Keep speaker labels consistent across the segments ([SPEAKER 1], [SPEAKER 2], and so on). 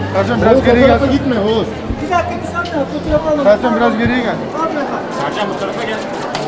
[SPEAKER 1] Sercan biraz geriye gel.
[SPEAKER 2] Gitme Oğuz.
[SPEAKER 3] Bir dakika bir saniye fotoğraf alalım.
[SPEAKER 1] Sercan biraz geriye gel.
[SPEAKER 2] Sercan bu tarafa gel.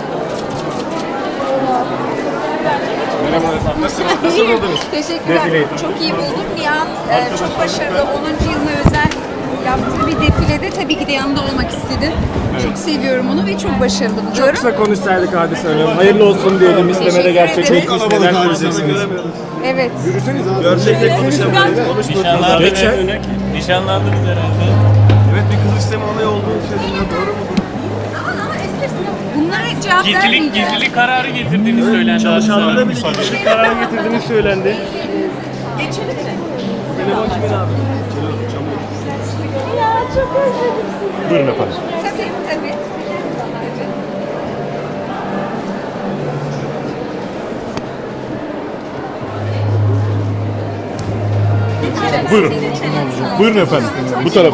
[SPEAKER 2] Merhaba efendim. Nasıl buldunuz?
[SPEAKER 4] Teşekkürler.
[SPEAKER 2] Defileyi.
[SPEAKER 4] Çok iyi buldum. Nihan çok başarılı. 10. yılına özel yaptığı bir defilede tabii ki de yanında olmak istedim. Çok seviyorum onu ve çok başarılı buluyorum.
[SPEAKER 5] Kısa konuşsaydık Hadise Hanım. Hayırlı olsun diyelim. İstemede
[SPEAKER 4] Teşekkür
[SPEAKER 5] gerçekleşmiş.
[SPEAKER 4] ederiz.
[SPEAKER 5] Neler söyleyeceksiniz?
[SPEAKER 4] Evet.
[SPEAKER 5] Gerçekle konuşamayız.
[SPEAKER 6] Nişanlandınız Nişanlandınız herhalde.
[SPEAKER 5] Evet, bir kız isteme olayı olduğunu söyleniyor. Doğru mu?
[SPEAKER 4] Bunlara cevap vermeyeceğim.
[SPEAKER 6] Gizlilik kararı getirdiğini söylendi.
[SPEAKER 5] Çalışanlara bile gizlilik kararı getirdiğini söylendi.
[SPEAKER 4] Geçelim mi?
[SPEAKER 5] Telefon kimin abi?
[SPEAKER 4] Ya çok özledim sizi.
[SPEAKER 2] Buyurun efendim.
[SPEAKER 4] Tabii tabii.
[SPEAKER 2] Buyurun. Buyurun efendim. Bu tarafa.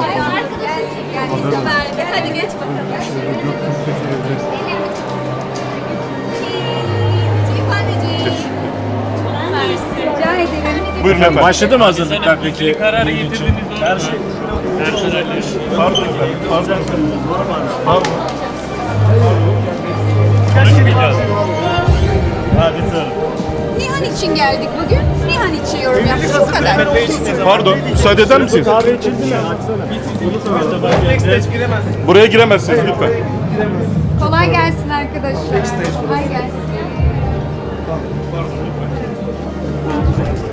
[SPEAKER 4] Hadi geç bakalım. Rica ederim.
[SPEAKER 2] Buyurun efendim.
[SPEAKER 5] Başladı mı hazırlıklar peki?
[SPEAKER 6] Gizlilik kararı getirdiniz. Her şey. Personeller.
[SPEAKER 2] Pardon. Pardon.
[SPEAKER 6] Konuşmayacağız.
[SPEAKER 5] Hadi sorun.
[SPEAKER 4] Nihan için geldik bugün. Nihan için yorum yaptık. Bu kadar.
[SPEAKER 2] Pardon. Müsaade eder misiniz?
[SPEAKER 5] Kahve içildi mi?
[SPEAKER 2] Buraya giremezsiniz lütfen.
[SPEAKER 4] Kolay gelsin arkadaşlar. Kolay gelsin.